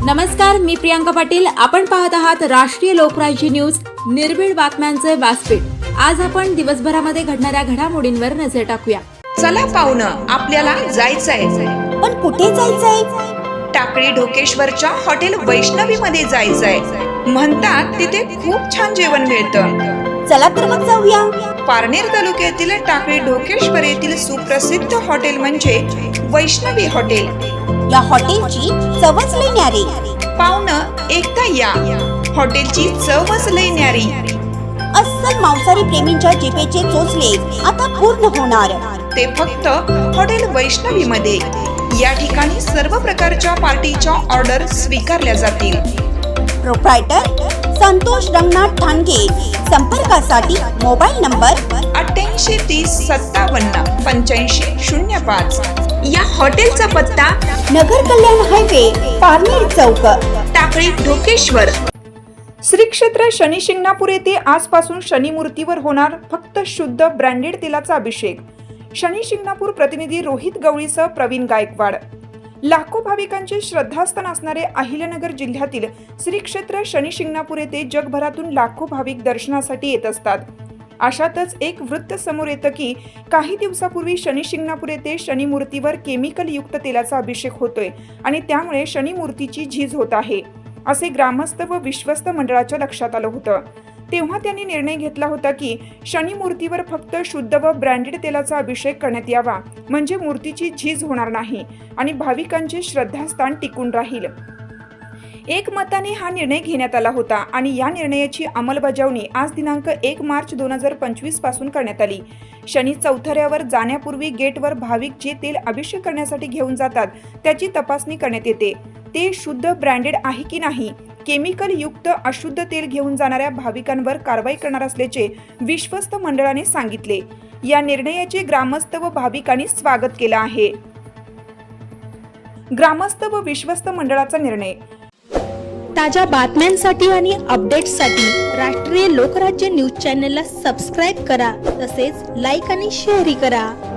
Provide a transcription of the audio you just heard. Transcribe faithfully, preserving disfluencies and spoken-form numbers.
नमस्कार, मी प्रियांका पाटील. आपण पाहत आहात राष्ट्रीय लोकराज्य न्यूज, निर्भीड बातम्यांचे व्यासपीठ. आज आपण दिवसभरामध्ये घडणाऱ्या घडामोडींवर नजर टाकूया. चला पाहुणं, आपल्याला जायचंय. पण कुठे जायचंय? टाकळी ढोकेश्वरच्या हॉटेल वैष्णवी मध्ये जायचंय. म्हणतात तिथे खूप छान जेवण मिळतं. चला तर मग जाऊया. पारनेर तालुक्यातील टाकळी ढोकेश्वर येथील सुप्रसिद्ध हॉटेल म्हणजे वैष्णवी हॉटेल. या हॉटेलची चवच लई न्यारी. पाहुणं, एकदा या. हॉटेलची चवच लई न्यारी. अस्सल मांसाहारी प्रेमींच्या जिभेचे चोचले आता पूर्ण होणार. ते फक्त हॉटेल वैष्णवी मध्ये. या ठिकाणी सर्व प्रकारच्या पार्टीच्या ऑर्डर स्वीकारल्या जातील. प्रोप्रायटर संतोष रंगनाथ ठाणगे. संपर्कासाठी मोबाईल नंबर अठ्ठ्याऐंशी तीस सत्तावन्न पंच्याऐंशी शून्य पाच. या हॉटेलचा पत्ता नगर कल्याण हायवे, पारनेर चौक, टाकळी ढोकेश्वर. श्री क्षेत्र शनी शिंगणापूर येथे आजपासून शनी मूर्तीवर होणार फक्त शुद्ध ब्रँडेड तेलाचा अभिषेक. शनी शिंगणापूर प्रतिनिधी रोहित गवळीसह प्रवीण गायकवाड. लाखो भाविकांचे श्रद्धास्थान असणारे अहिल्यानगर जिल्ह्यातील श्री क्षेत्र शनी शिंगणापूर येथे जगभरातून लाखो भाविक दर्शनासाठी येत असतात. अशातच एक वृत्त समोर येतं की काही दिवसापूर्वी शनी शिंगणापूर येथे शनी मूर्तीवर केमिकल युक्त तेलाचा अभिषेक होतोय आणि त्यामुळे शनी मूर्तीची झीज होत आहे, असे ग्रामस्थ व विश्वस्त मंडळाच्या लक्षात आलं होतं. तेव्हा त्यांनी निर्णय घेतला होता की शनी मूर्तीवर फक्त शुद्ध व ब्रँडेड तेलाचा अभिषेक करण्यात यावा, म्हणजे मूर्तीची झीज होणार नाही आणि भाविकांचे श्रद्धास्थान टिकून राहील. एकमताने हा निर्णय घेण्यात आला होता आणि या निर्णयाची अंमलबजावणी आज दिनांक एक मार्च दोन हजार पंचवीस पासून करण्यात आली. शनी चौथऱ्यावर जाण्यापूर्वी गेटवर भाविक जे तेल अभिषेक करण्यासाठी घेऊन जातात त्याची तपासणी करण्यात येते. ते शुद्ध ब्रँडेड आहे की नाही. केमिकल युक्त अशुद्ध तेल घेऊन जाणाऱ्या भाविकांवर कारवाई करणार असल्याचे विश्वस्त मंडळाने सांगितले. या निर्णयाचे ग्रामस्थ व भाविकांनी स्वागत केलं आहे. ग्रामस्थ व विश्वस्त मंडळाचा निर्णय. ताज्या बातम्यांसाठी आणि अपडेट्ससाठी राष्ट्रीय लोकराज्य न्यूज चॅनलला सबस्क्राईब करा. तसेच लाईक आणि शेअरही करा.